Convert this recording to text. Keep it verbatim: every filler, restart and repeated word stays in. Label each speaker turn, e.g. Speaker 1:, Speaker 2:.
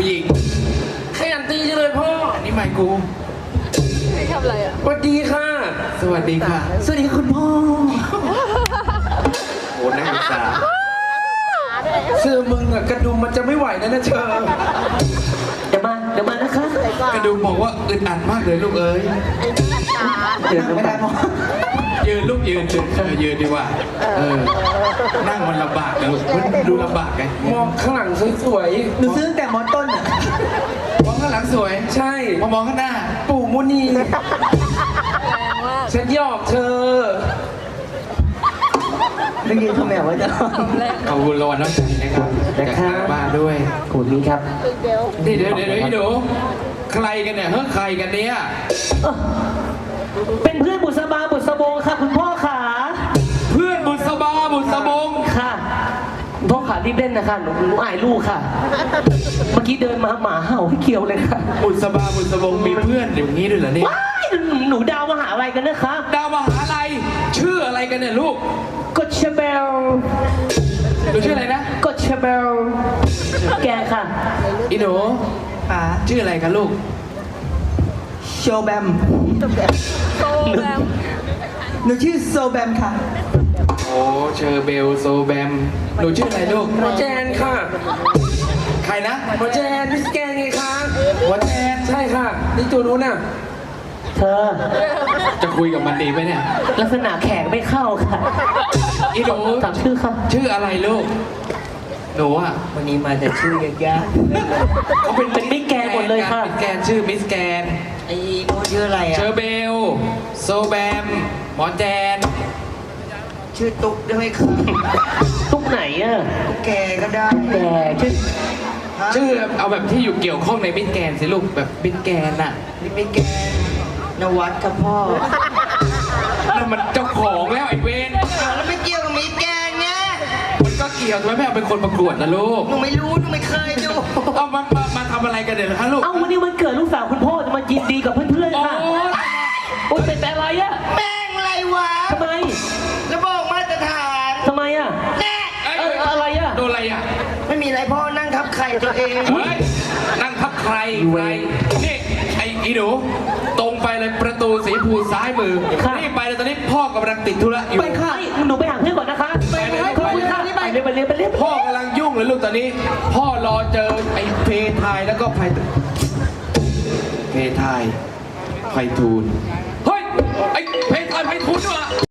Speaker 1: หญิง
Speaker 2: ขยันตีจังเลยพ่ออันนี้ไมค์กูไม่ทำอะไรอ่ะสวัสดีค่ะสวัสดีค่ะสวัสดีคุณพ่อโอ้นักศึกษาเชื่อมึงอะกระดุมมันจะไม่ไหวนะนะเชิญ
Speaker 3: เดี๋ยวมาเดี๋ยวมานะคะ
Speaker 2: กระดุมบอกว่าอึดอัดมากเลยลูกเอ้ย
Speaker 3: เดี๋ยวไม่ได้พ่อ
Speaker 2: ยืนลูกยืนยืนเออยืนดีกว่าเออนั่งมันลำบากนะลูกมันดูลำบากไงมองข้างหลังสวยๆ
Speaker 3: หนูซื้อตั้งแต่มอต้นอ่ะ
Speaker 2: มองข้างหลังสวยใช่มามองข้างหน้าปู่มุนีฉันหยอกเธอ
Speaker 3: ไม่กินข้าวแมวไว้จ้ะ
Speaker 2: ขอบคุณรางวัลน้ำใจนะครับจากทางบ้านด้วย
Speaker 3: ขอบคุณครับ
Speaker 2: นี่เดี๋ยวเดี๋ยวเดี๋ยวดูใครกันเนี่ยเฮ้ยใครกันเนี่ย
Speaker 3: เป็นเพื่อนบุษบาบุษบงค่ะคุณพ่อขา
Speaker 2: เพื่อนบุษบาบุษบง
Speaker 3: ค่ะคุณพ่อขารีบเล่นนะคะหนูหนูอายลูกค่ะเมื่อกี้เดินมาหมาเห่าพี่เขียวเลยค่ะ
Speaker 2: บุษบาบุษบงมีเพื่อนอย่างนี้ด้วยเหรอเนี่ย
Speaker 3: ว้ายหนูดาวมหาอะไรกันนะคะ
Speaker 2: ดาวมหาอะไรชื่ออะไรกันเนี่ยลูก
Speaker 3: กดเชเบล
Speaker 2: หนูชื่ออะไรนะ
Speaker 3: กดเชเบลแกค่ะ
Speaker 2: อีหนูชื่ออะไรกันลูก
Speaker 3: โชแบมโซแบมหนูชื่อโซแบมค่ะ
Speaker 2: โอ้เชอร์เบลโซแบมหนูชื่ออะไรลูกหมอแจนค่ะใครนะหมอแจนมิสแกนไงคะหมอแจนใช่ค่ะนี่ตัวนู้นน่ะ
Speaker 3: เธอ
Speaker 2: จะคุยกับมันดีไหมเนี่ย
Speaker 3: ลักษณะแขกไม่เข้าค่ะ
Speaker 2: อีหนู
Speaker 3: ถามชื่อค่ะ
Speaker 2: ชื่ออะไรลูกหนูอ่ะ
Speaker 3: วันนี้มาแต่ชื่อยากๆเขาเป็นเป็นมิสแกนหมดเลยค่ะ
Speaker 2: มิสแกนชื่อมิสแกน
Speaker 3: ไอ้โน้ชื่ออะไรอ่ะ
Speaker 2: เชอร์เบลโซแบมหมอแจน
Speaker 3: ชื่อตุ๊กได้ไหมครับตุ๊กไหนอ่ะแกก็ได้แกชื่อ
Speaker 2: ชื่อเอาแบบที่อยู่เกี่ยวข้องในมิสแกนสิลูกแบบมิสแกนน่ะ
Speaker 3: มิสแกนนวัดครับพ่อ
Speaker 2: นั่นมันเจ้าของแล้วไอ้เวน
Speaker 3: แล้วไม่เกี่ยวกับมิสแกนไง
Speaker 2: มันก็เกี่ยวทำไมแม่เป็นคนประกวดนะลูก
Speaker 3: หนูไม่รู้หนูไม่เคยดู
Speaker 2: เอามามามาทำอะไรกันเดี๋ยวฮะลูก
Speaker 3: เอาวันนี้วันเกิดลูกสาวคุณพ่อจะมายินดีกับเพื่อนๆค่ะโอ้ยเป็นอะไรอะ
Speaker 4: แม่งอะไรวะ
Speaker 3: ทำไม
Speaker 4: ระบอกมาตรฐาน
Speaker 3: ทำไมอะ
Speaker 4: แน่
Speaker 3: เอออะไรอะ
Speaker 2: โดนอะไรอะ
Speaker 4: ไม่มีอะไรพ่อนั่งทับไข่ตัวเอง
Speaker 2: เฮ้ยนั่งทับใครใครนี่ไอ้อีหนูตรงไปเลยประตูสีภูซ้ายมือนี่ไปเลยตอนนี้พ่อกำลังติดธุระอยู่
Speaker 3: ไปค่ะหนูไปหาเพื่อนก่อนนะคะไปเลยไปเลยไปเลยไปเลยไปเลย
Speaker 2: พ่อกำลังยุ่งเลยลูกตอนนี้พ่อรอเจอไอ้เพทายแล้วก็ไพเพทายไพทูลเฮ้ยไอ้เพทายไพทูลด้วย